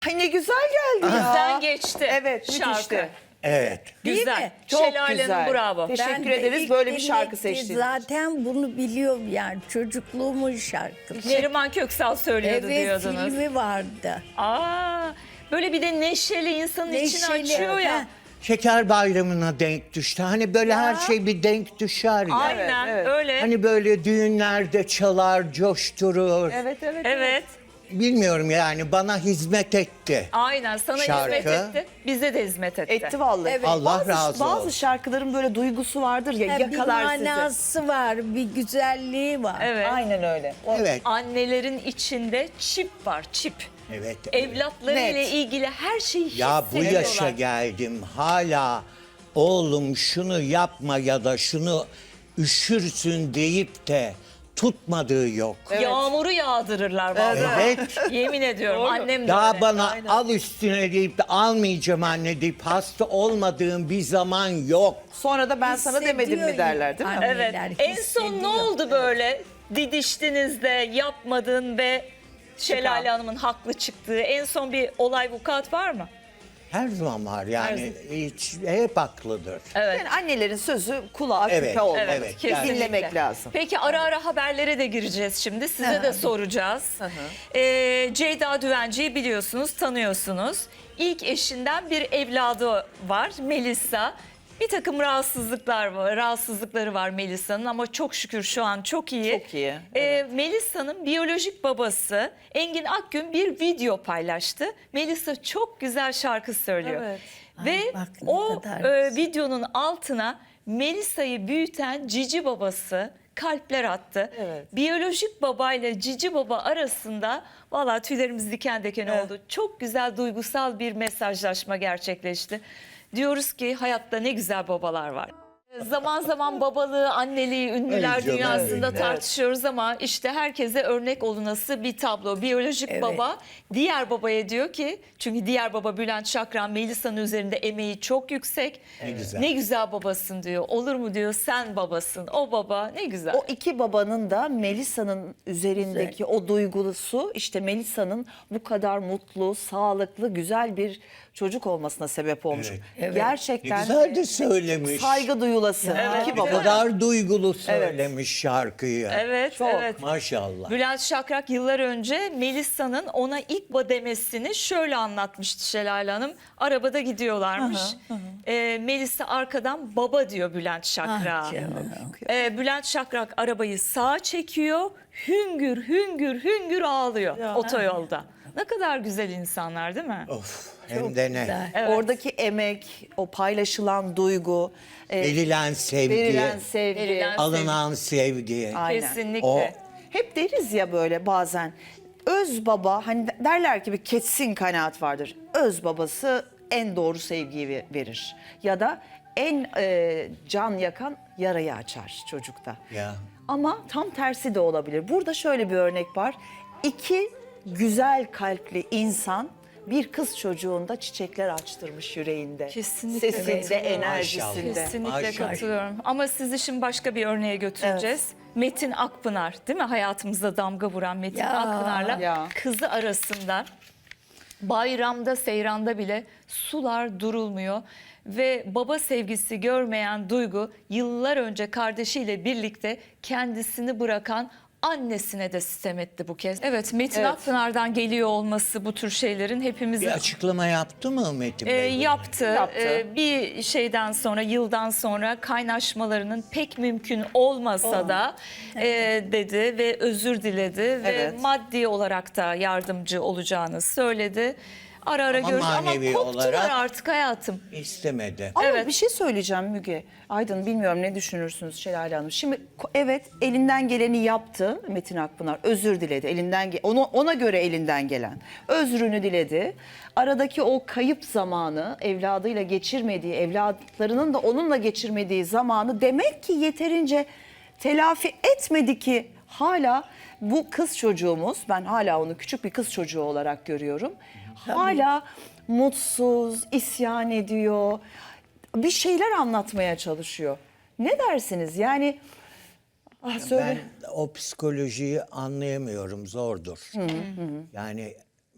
Ay ne güzel geldi ya. Bizden geçti. Evet, şarkı. müthişti. Evet. Değil Güzel. mi? Çok Şelale güzel. Hanım bravo. Teşekkür de ederiz ilk böyle bir şarkı dinlediğim seçtiğiniz için. Zaten bunu biliyorum yani çocukluğumun şarkısı. Neriman Köksal söylüyordu Evet, diyordunuz. filmi vardı. Böyle bir de neşeli insanın içini Neşeli, açıyor ya. ha. Şeker bayramına denk düştü. Hani böyle her şey bir denk düşer ya. Aynen evet. öyle. Hani böyle düğünlerde çalar, coşturur. evet. Bilmiyorum yani bana hizmet etti. Aynen sana Şarkı. hizmet etti. Bize de hizmet etti. Etti vallahi. Evet. Allah razı Bazı olsun. şarkıların böyle duygusu vardır ya, Ha, bir yakalar sizi. manası var, bir güzelliği var. Evet. Aynen öyle. Evet. Annelerin içinde çip var, çip. Evet. Evlatlarıyla Net. ilgili her şeyi Ya bu hissediyorlar. yaşa geldim hala oğlum şunu yapma ya da şunu üşürsün deyip de tutmadığı yok. Yağmuru yağdırırlar vallahi. Evet. Yemin ediyorum annem de Daha öyle. bana al üstüne deyip de almayacağım anne deyip hasta olmadığım bir zaman yok. Sonra da ben sana demedim mi Hissediyor derler değil mi? yani. Evet. Anneler En son ne hissediyor. oldu böyle? Didiştiniz de yapmadın ve Şelale Hanım'ın haklı çıktığı en son bir olay vukuat var mı? Her zaman var yani hiç, hep haklıdır. Evet. Yani annelerin sözü kulağa Evet, küpe olmalı. evet, Kesinlikle. Dinlemek lazım. Peki ara ara haberlere de gireceğiz şimdi. Size de soracağız. Ceyda Düvenci'yi biliyorsunuz, tanıyorsunuz. İlk eşinden bir evladı var, Melisa. Bir takım rahatsızlıkları var Melisa'nın ama çok şükür şu an çok iyi. Çok iyi, Melisa'nın biyolojik babası Engin Akgün bir video paylaştı. Melisa çok güzel şarkı söylüyor. Evet. Ve Ay, bak ne o kadar güzel. videonun altına Melisa'yı büyüten cici babası kalpler attı. Evet. Biyolojik babayla cici baba arasında vallahi tüylerimiz diken diken oldu. Çok güzel duygusal bir mesajlaşma gerçekleşti. Diyoruz ki hayatta ne güzel babalar var. Zaman zaman babalığı, anneliği ünlüler Ay canım dünyasında benim. tartışıyoruz ama işte herkese örnek olunası bir tablo. Biyolojik Evet. baba diğer babaya diyor ki, çünkü diğer baba Bülent Şakran, Melisa'nın üzerinde emeği çok yüksek. Ne güzel. Ne güzel babasın diyor. Olur mu diyor, sen babasın. O baba ne güzel. O iki babanın da Melisa'nın üzerindeki o duygusu işte Melisa'nın bu kadar mutlu, sağlıklı, güzel bir çocuk olmasına sebep olmuş. Evet. Evet. Ne Gerçekten güzel de söylemiş. saygı duyulası. İki Ne baba. kadar duygulu söylemiş şarkıyı. Evet, Çok. evet. Maşallah. Bülent Şakrak yıllar önce Melisa'nın ona ilk demesini şöyle anlatmıştı Şelale Hanım. Arabada gidiyorlarmış. Melisa arkadan baba diyor Bülent Şakrak'a. Ah canım. Bülent Şakrak arabayı sağa çekiyor. Hüngür hüngür hüngür ağlıyor otoyolda. Ne kadar güzel insanlar değil mi? Of, hem de ne. Güzel. Evet. Oradaki emek, o paylaşılan duygu, Verilen sevgi, verilen sevgi. Verilen alınan sevgi. Aynen. Kesinlikle. O Hep deriz ya böyle bazen öz baba, hani derler ki bir kesin kanaat vardır. Öz babası en doğru sevgiyi verir. Ya da en can yakan yarayı açar çocukta. ya. Ama tam tersi de olabilir. Burada şöyle bir örnek var. İki güzel kalpli insan bir kız çocuğunda çiçekler açtırmış yüreğinde. Kesinlikle Sesinde, katılıyorum. enerjisinde. Kesinlikle Maşallah. katılıyorum. Ama sizi şimdi başka bir örneğe götüreceğiz. Metin Akpınar, değil mi? Hayatımızda damga vuran Metin Ya. Akpınar'la Ya. kızı arasında bayramda, seyranda bile sular durulmuyor. Ve baba sevgisi görmeyen Duygu yıllar önce kardeşiyle birlikte kendisini bırakan annesine de sitem etti bu kez. Evet, Metin Akpınar'dan geliyor olması bu tür şeylerin hepimizin Bir açıklama yaptı mı Metin Bey? yaptı. Yaptı. Bir şeyden sonra, yıldan sonra kaynaşmalarının pek mümkün olmasa da dedi ve özür diledi ve Evet. maddi olarak da yardımcı olacağını söyledi. Ara ara Ama görüş ama manevi koptular olarak- artık hayatım. İstemedi. Ama Evet. bir şey söyleyeceğim Müge. Aydın, bilmiyorum ne düşünürsünüz Şelale Hanım. Şimdi evet, elinden geleni yaptı Metin Akpınar. Özür diledi. Ona göre elinden gelen. Özrünü diledi. Aradaki o kayıp zamanı, evladıyla geçirmediği, evlatlarının da onunla geçirmediği zamanı demek ki yeterince telafi etmedi ki hala bu kız çocuğumuz, ben hala onu küçük bir kız çocuğu olarak görüyorum. Hala mutsuz, isyan ediyor. Bir şeyler anlatmaya çalışıyor. Ne dersiniz? Yani söyle. Ben o psikolojiyi anlayamıyorum, zordur. Yani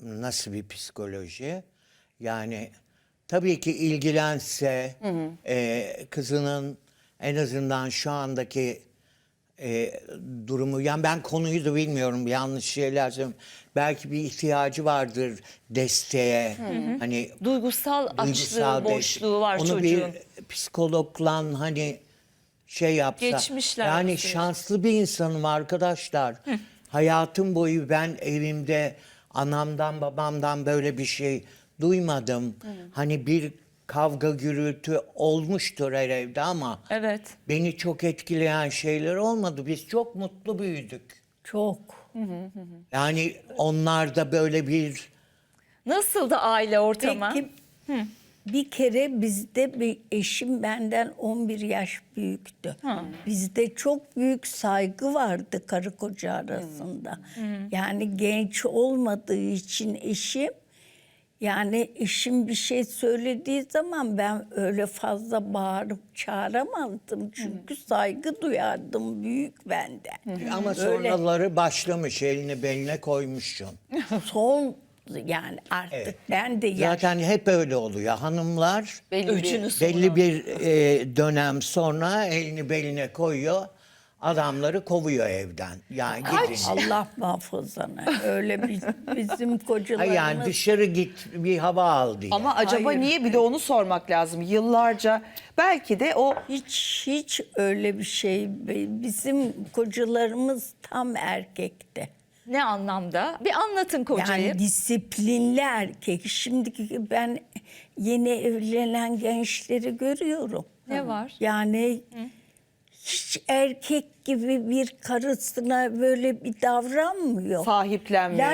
nasıl bir psikoloji? Yani tabii ki ilgilense kızının en azından şu andaki durumu, yani ben konuyu da bilmiyorum, yanlış şeyler söylüyorum. Belki bir ihtiyacı vardır desteğe. Hani Duygusal açlığı, duygusal boşluğu var onu çocuğun. bir psikologla hani şey yapsa. Geçmişler Yani meselesi. şanslı bir insanım arkadaşlar. Hayatım boyu ben evimde anamdan babamdan böyle bir şey duymadım. Hani bir kavga gürültü olmuştur her evde ama Evet. beni çok etkileyen şeyler olmadı. Biz çok mutlu büyüdük. Çok. Yani onlarda böyle bir Nasıl da aile ortamı? Peki bir kere bizde bir eşim benden 11 yaş büyüktü. Bizde çok büyük saygı vardı karı koca arasında. Yani genç olmadığı için eşim, yani eşim bir şey söylediği zaman ben öyle fazla bağırıp çağıramazdım. Çünkü saygı duyardım büyük benden. ama Öyle. sonraları başlamış, elini beline koymuşsun. Son yani artık Evet. ben de Zaten hep öyle oluyor. Hanımlar Öcünü sonra. belli bir dönem sonra elini beline koyuyor. Adamları kovuyor evden. Yani gidin. Allah muhafazana. Öyle bizim Hayır, kocalarımız. yani dışarı git bir hava al diye. Ama acaba Hayır. niye, bir de onu sormak lazım. Yıllarca belki de o Hiç öyle bir şey. Bizim kocalarımız tam erkekti. Ne anlamda? Bir anlatın kocayı. Yani disiplinli erkek. Şimdiki ben yeni evlenen gençleri görüyorum. Ne var? Yani hiç erkek gibi bir karısına böyle bir davranmıyor. sahiplenmiyor.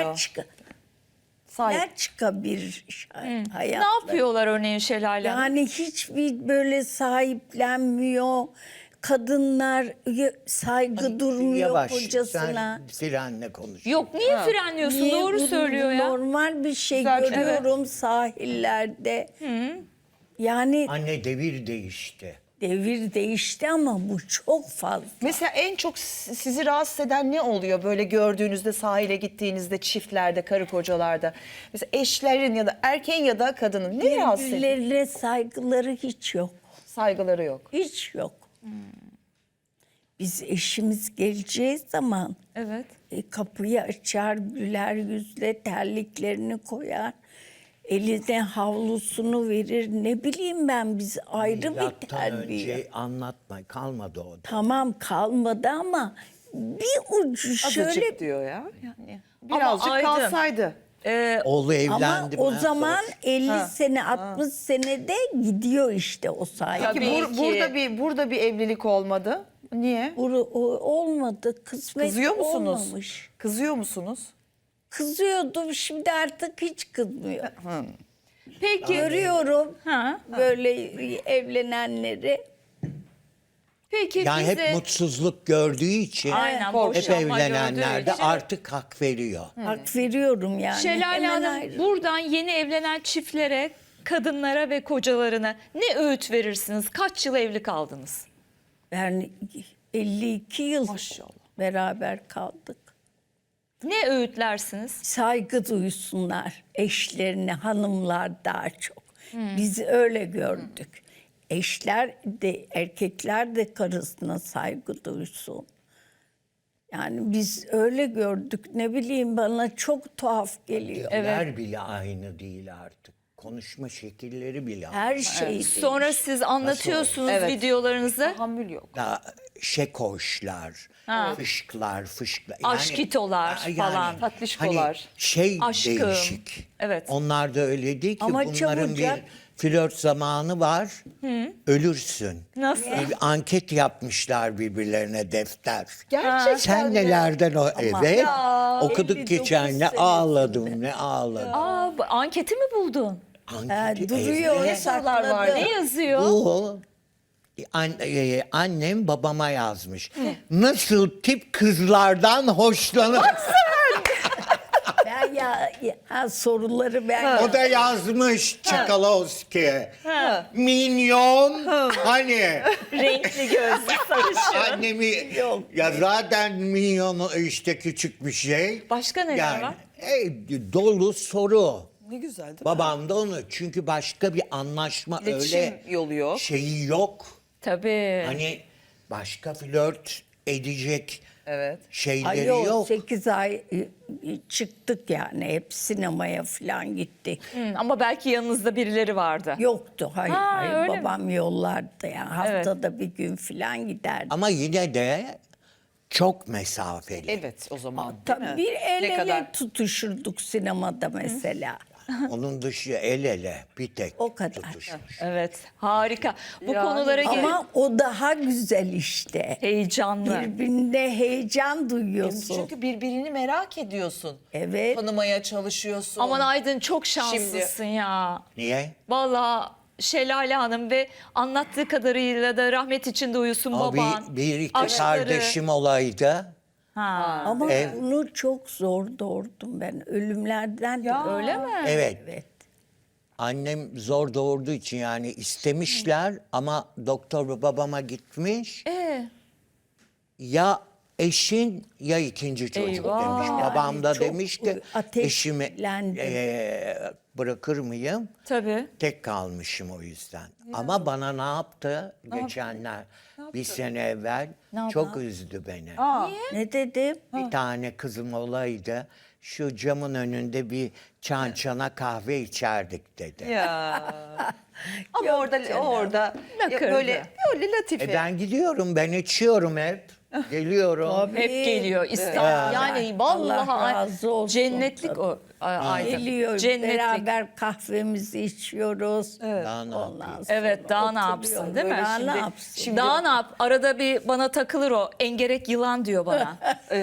Laçka bir hayat. Ne yapıyorlar örneğin Şelale Hanım? Yani hiçbir böyle sahiplenmiyor. Kadınlar saygı durmuyor Yavaş, kocasına. sen frenle konuş. Yok niye frenliyorsun? Niye Doğru bu söylüyor ya. Normal bir şey Güzel, görüyorum sahillerde. Yani Anne, devir değişti. devir değişti ama bu çok fazla. Mesela en çok sizi rahatsız eden ne oluyor böyle gördüğünüzde, sahile gittiğinizde, çiftlerde, karı kocalarda? Mesela eşlerin ya da erkeğin ya da kadının ne rahatsız ediyor? Birbirlerine saygıları hiç yok. Saygıları yok. Hiç yok. Biz eşimiz geleceği zaman Evet. kapıyı açar, güler yüzle terliklerini koyar. Eline havlusunu verir. Ne bileyim ben, biz ayrı bir Milattan terbiye. önce anlatma, kalmadı o. Tamam kalmadı ama bir ucu şöyle. Azıcık diyor ya. Yani birazcık Aydın, kalsaydı. Oğlu Ama evlendi mi? o zaman Sor. 50 sene 60 senede gidiyor işte o saygı. Tabii ki. Burada bir evlilik olmadı. Niye? Olmadı. Kısmet Kızıyor musunuz? olmamış. Kızıyor musunuz? Kızıyordum, şimdi artık hiç kızmıyor. Peki. Görüyorum Ha. böyle evlenenleri. Peki Yani bize... hep mutsuzluk gördüğü için Aynen, hep boşanma evlenenler gördüğü de için. artık hak veriyor. Hak veriyorum yani. Şelale Hemen Hanım, ayrı. buradan yeni evlenen çiftlere, kadınlara ve kocalarına ne öğüt verirsiniz? Kaç yıl evli kaldınız? Ben 52 yıl Maşallah. beraber kaldık. Ne öğütlersiniz? Saygı duysunlar eşlerine, hanımlar daha çok. Biz öyle gördük. Eşler de, erkekler de karısına saygı duysun. Yani biz öyle gördük. Ne bileyim, bana çok tuhaf geliyor. Ler bile aynı değil artık. Konuşma şekilleri bile aynı. Her şey Sonra siz anlatıyorsunuz Evet. videolarınızda. Tahammül yok. Da şekoşlar, fışklar. Aşkitolar falan. Tatlışkolar. Hani şey Aşkım. değişik. Evet. Onlar da öyle değil ki. Ama Bunların çabucak- bir flört zamanı var. Ölürsün. Nasıl? Bir anket yapmışlar birbirlerine, defter. Gerçekten Sen mi? nelerden evet. Okuduk 59 geçen, ne senesinde. ağladım ne ağladım. Aa, anketi mi buldun? Anketi duruyor, evde. sorular var? sakladı. Ne yazıyor? Bu annem babama yazmış. Nasıl tip kızlardan hoşlanır? Ben soruları ben O da yazmış Çakalovski. Minyon. Hani Renkli gözlü sarışın. annemi ya zaten minyon işte küçük bir şey. Başka neler var? Dolu soru. Ne güzel değil mi? Babam da onu. Çünkü başka bir anlaşma İletişim öyle yolu yok. şeyi yok. Tabii. Hani başka flört edecek Evet. şeyleri Yok, yok. 8 ay çıktık yani. Hep sinemaya falan gittik. Ama belki yanınızda birileri vardı. Yoktu, hayır. Ha, hayır. öyle mi? Babam yollardı yani. Haftada bir gün falan giderdi. Ama yine de çok mesafeli. Evet o zaman değil Tabii mi? bir el Ne ele kadar tutuşurduk sinemada mesela. Onun dışı el ele bir tek O kadar. tutuşmuş. Evet, harika. Bu Yani konulara Ama o daha güzel işte. heyecanlı. Birbirine heyecan duyuyorsun. çünkü birbirini merak ediyorsun. Evet. Tanımaya çalışıyorsun. Aman Aydın çok şanslısın ya. Niye? Vallahi Şelale Hanım ve anlattığı kadarıyla da rahmet içinde uyusun Ama baban. bir iki aşkları. kardeşim olaydı. Ha. Ama bunu çok zor doğurdum ben. Ölümlerden de Öyle mi? Evet. Evet. Annem zor doğurduğu için yani istemişler ama doktor babama gitmiş. Ya eşin ya ikinci çocuk Eyvah. demiş. Babam da çok demiş ki eşimi ateşlendim. bırakır mıyım? Tabii. Tek kalmışım o yüzden. Ama bana ne yaptı geçenler? Bir sene evvel çok üzdü beni. Ne dedim? Bir tane kızım olaydı. Şu camın önünde bir çan çana kahve içerdik dedi. Ya. Ama orada Lakırdı. böyle latife. Ben gidiyorum, ben içiyorum hep. Geliyorum. Hep geliyor. İstanbul. Yani vallahi Allah razı olsun. cennetlik o Aydın. Geliyor, Cennetlik. beraber kahvemizi içiyoruz. Daha ne Ondan yapayım? sonra Evet, daha ne oturuyor yapsın değil mi? böyle. Daha ne Şimdi- yapsın? Daha ne yap? Arada bir bana takılır o. Engerek yılan diyor bana.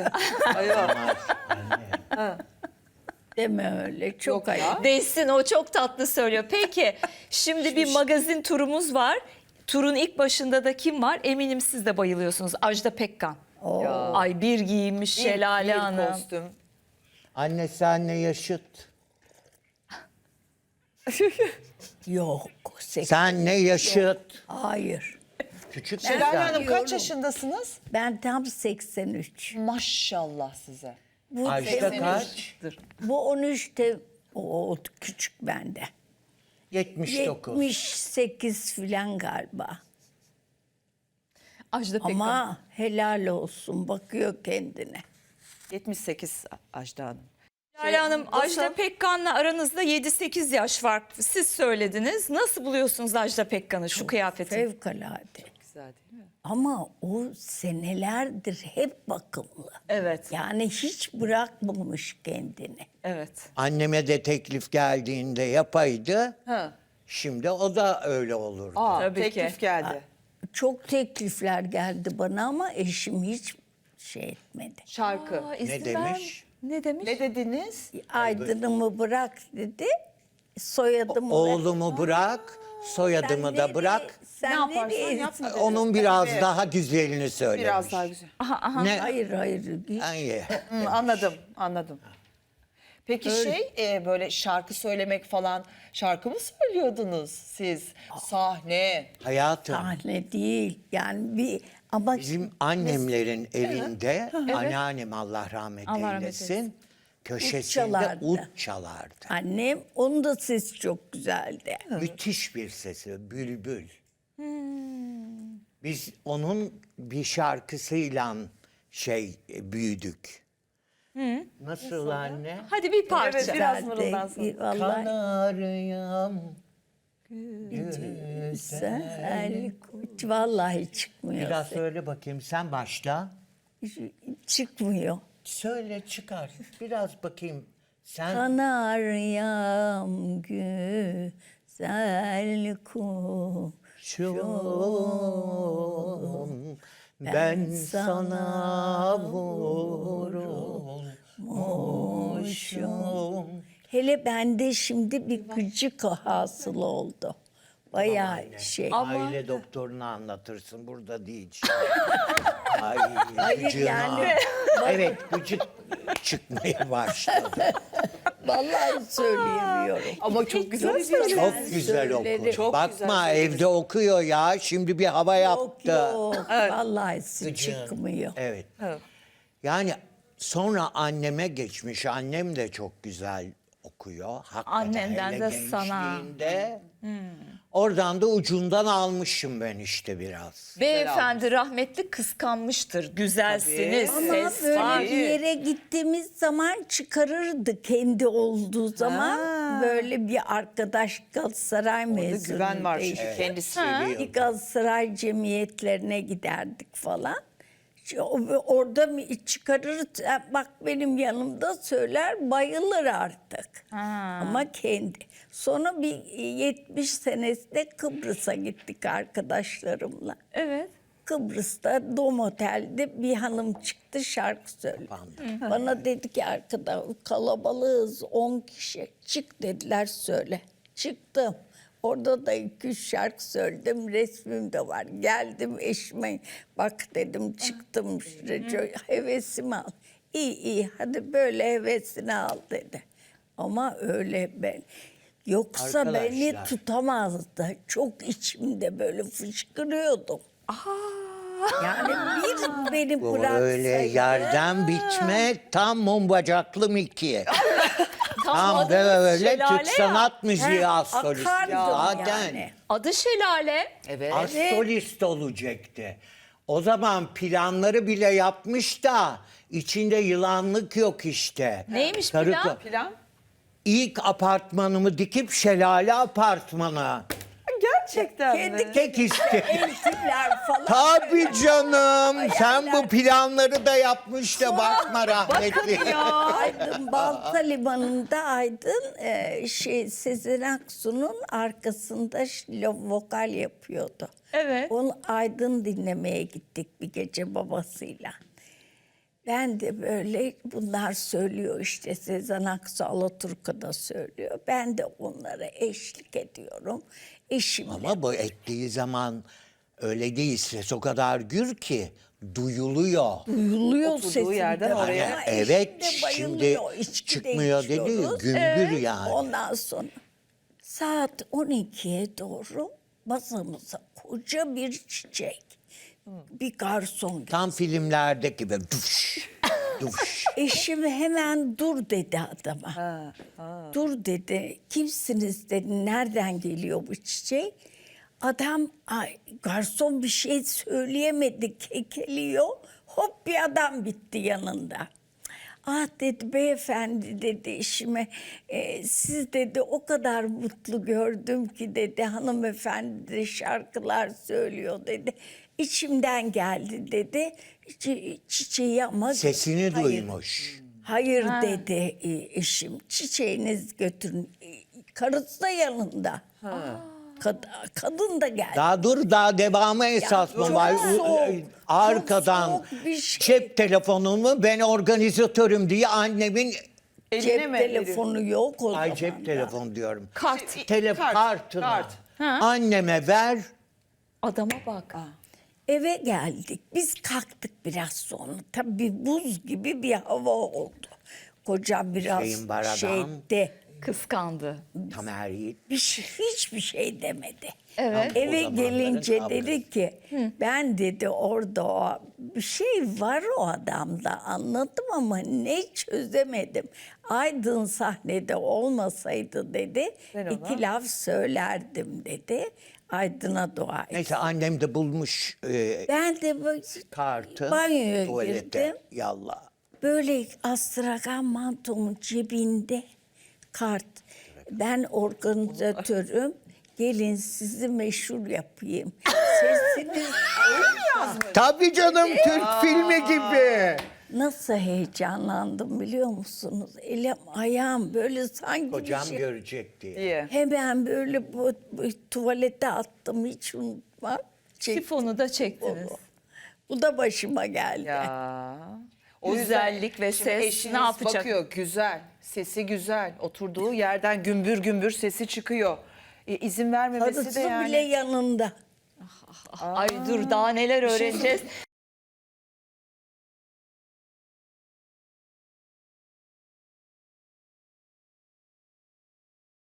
Deme öyle. Çok Yok ya. ayıp. Değsin, o çok tatlı söylüyor. Peki şimdi bir magazin turumuz var. Turun ilk başında da kim var? Eminim siz de bayılıyorsunuz. Ajda Pekkan. Ay bir giyinmiş Şelale Bir Hanım. kostüm. Anne senle yaşıt. Yok. Senle yaşıt. Hayır. Küçük Şelale sen. Hanım kaç yaşındasınız? Ben tam 83. Maşallah size. Bu, Ajda kaç? bu 13'te o küçük bende. 79. 78 filan galiba. Ajda Pekkan. Ama helal olsun bakıyor kendine. 78 Ajda Hanım. Şelale Hanım, nasıl? Ajda Pekkan'la aranızda 7-8 yaş var. Siz söylediniz. Nasıl buluyorsunuz Ajda Pekkan'ı, şu kıyafeti? Fevkalade. Güzel değil mi? Ama o senelerdir hep bakımlı. Evet, Yani hiç bırakmamış kendini. evet. Anneme de teklif geldiğinde yapaydı. Ha. Şimdi o da öyle olurdu. Tabii teklif ki. geldi. Çok teklifler geldi bana ama eşim hiç şey etmedi. Şarkı. Ne demiş? Ne demiş? Ne dediniz? Aydın'ımı bırak dedi. Soyadımı ver. Oğlumu bırak, soyadımı Sen da nereye- bırak. Sen Ne yaparsan nereye- yap. Onun biraz daha güzelini söylemiş. Biraz daha güzel. Ne? Hayır hayır. Ay, Anladım. Peki böyle şarkı söylemek falan, şarkı mı söylüyordunuz siz? Sahne. hayatım. Sahne değil. Yani bir ama Bizim annemlerin evinde anneannem Allah rahmet Allah rahmet eylesin. Köşesinde çalardı. ut çalardı. annem onun da sesi çok güzeldi. Müthiş bir sesi, bülbül. Biz onun bir şarkısıyla büyüdük. Nasıl anne? Hadi bir parça. Evet, biraz Güzeldi. mırıldansın. Vallahi Kanaryam. güzel. Vallahi çıkmıyor. Biraz söyle bakayım, sen başla. Çıkmıyor. Söyle, çıkar. Biraz bakayım. Sen Kanaryam güzel kuşum. şum, ben sana vurulmuşum. Hele bende şimdi bir gıcık hasıl oldu. Bayağı şey. Aile doktoruna anlatırsın, burada değil. Ay, Hayır, gıcığına. yani- Evet, gıcık çıkmaya başladı. Vallahi söyleyemiyorum. Ama çok güzel. Çok güzel söylerim. okur. Çok Bakma, güzel evde okuyor ya. Şimdi bir hava Yok yaptı. yok. Vallahi Gıcığın. çıkmıyor. Evet. Evet. Yani sonra anneme geçmiş. Annem de çok güzel okuyor. Hakikaten Annenden hele de sana. gençliğinde. Oradan da ucundan almışım ben işte biraz. Beyefendi rahmetli kıskanmıştır. Güzelsiniz, Tabii. Ama ses böyle var. bir yere gittiğimiz zaman çıkarırdı kendi olduğu zaman. Böyle bir arkadaş Galatasaray Orada mezunu. güven var çünkü kendisi. Bir Galatasaray cemiyetlerine giderdik falan. Orada mı çıkarır, bak benim yanımda söyler, bayılır artık. Ama kendi. Sonra bir 70 senesinde Kıbrıs'a gittik arkadaşlarımla. Evet. Kıbrıs'ta Dom Otel'de bir hanım çıktı, şarkı söyledi. Bana dedi ki arkada kalabalığız 10 kişi. Çık dediler, söyle. Çıktım. Orada da 2-3 şarkı söyledim. Resmim de var. Geldim eşime. Bak dedim, çıktım. Hevesimi al. İyi hadi böyle hevesini al dedi. Ama öyle ben. Yoksa beni Arkadaşlar. tutamazdı. Çok içimde böyle fışkırıyordum. Yani bir beni Bu bıraksaydı. öyle yerden bitme tam mum bacaklı Miki. Tam adınız böyle Şelale Türk ya. sanat müziği astrolist. Akardım Zaten yani. Adı Şelale. Evet. astrolist olacaktı. O zaman planları bile yapmış da içinde yılanlık yok işte. Neymiş Karı plan? ko- Plan? İlk apartmanımı dikip şelale apartmana. Gerçekten Kendi mi? Tek iste. Eltiler falan. Tabii canım. Sen bu planları da yapmış da bakma rahmetli. Aydın Balta Limanı'nda Aydın Sezen Aksu'nun arkasında vokal yapıyordu. Evet. Onu Aydın dinlemeye gittik bir gece babasıyla. Ben de böyle bunlar söylüyor işte Sezen Aksu Alaturka'da söylüyor. Ben de onlara eşlik ediyorum. Eşimle. Ama bu ettiği zaman öyle değil. Ses o kadar gür ki duyuluyor. Duyuluyor Oturduğu sesim yerden de. oraya. Ama Evet, eşim de şimdi bayılıyor. İçki de çıkmıyor dedi, içiyoruz. gümbür yani. Ondan sonra saat 12'ye doğru masamıza koca bir çiçek. Bir garson geldi. Tam filmlerdeki gibi duş, duş. Eşim hemen dur dedi adama. Dur dedi. Kimsiniz dedi. Nereden geliyor bu çiçek? Adam garson bir şey söyleyemedi. Kekeliyor. Hop bir adam bitti yanında. Ah dedi beyefendi dedi eşime. Siz dedi o kadar mutlu gördüm ki dedi hanımefendi de şarkılar söylüyor dedi. İçimden geldi dedi. Çiçeği ama Sesini hayır. duymuş. Hayır dedi eşim. Çiçeğiniz götürün. Karısı da yanında. Kadın da geldi. Daha devamı esas mı çok var? soğuk, Arkadan çok soğuk bir şey. cep telefonumu ben organizatörüm diye annemin Cep telefonu yok o ay zaman. cep telefonu diyorum. Kart. Kartına kart. anneme ver. Adama bak. Eve geldik. Biz kalktık biraz sonra. Tabii buz gibi bir hava oldu. Koca biraz Şeyin var adam. şeyde. Kıskandı. Tamer Yiğit. Hiçbir şey demedi. Evet. O Eve zamanların gelince kavgası. dedi ki ben dedi orada bir şey var o adamda anladım ama ne çözemedim. Aydın sahnede olmasaydı dedi Ben ona- 2 laf söylerdim dedi. Aydın'a dua et. Neyse annem de bulmuş Ben de böyle kartı banyoya tuvalete. girdim. Yallah. Böyle astragan mantomun cebinde kart. Ben organizatörüm. Gelin sizi meşhur yapayım. Sesiniz Tabii canım Türk filmi gibi. nasıl heyecanlandım biliyor musunuz? Elim ayağım böyle sanki Kocam bir şey. görecek diye. İyi. Hemen böyle bu tuvalete attım hiç unutmam. Çektim. Sifonu da çektiniz. Bu da başıma geldi. Ya. Güzellik ve şimdi ses eşiniz ne yapacak? bakıyor güzel, sesi güzel. Oturduğu yerden gümbür gümbür sesi çıkıyor. İzin vermemesi Karısı de yani. bile yanında. Ay dur daha neler öğreneceğiz.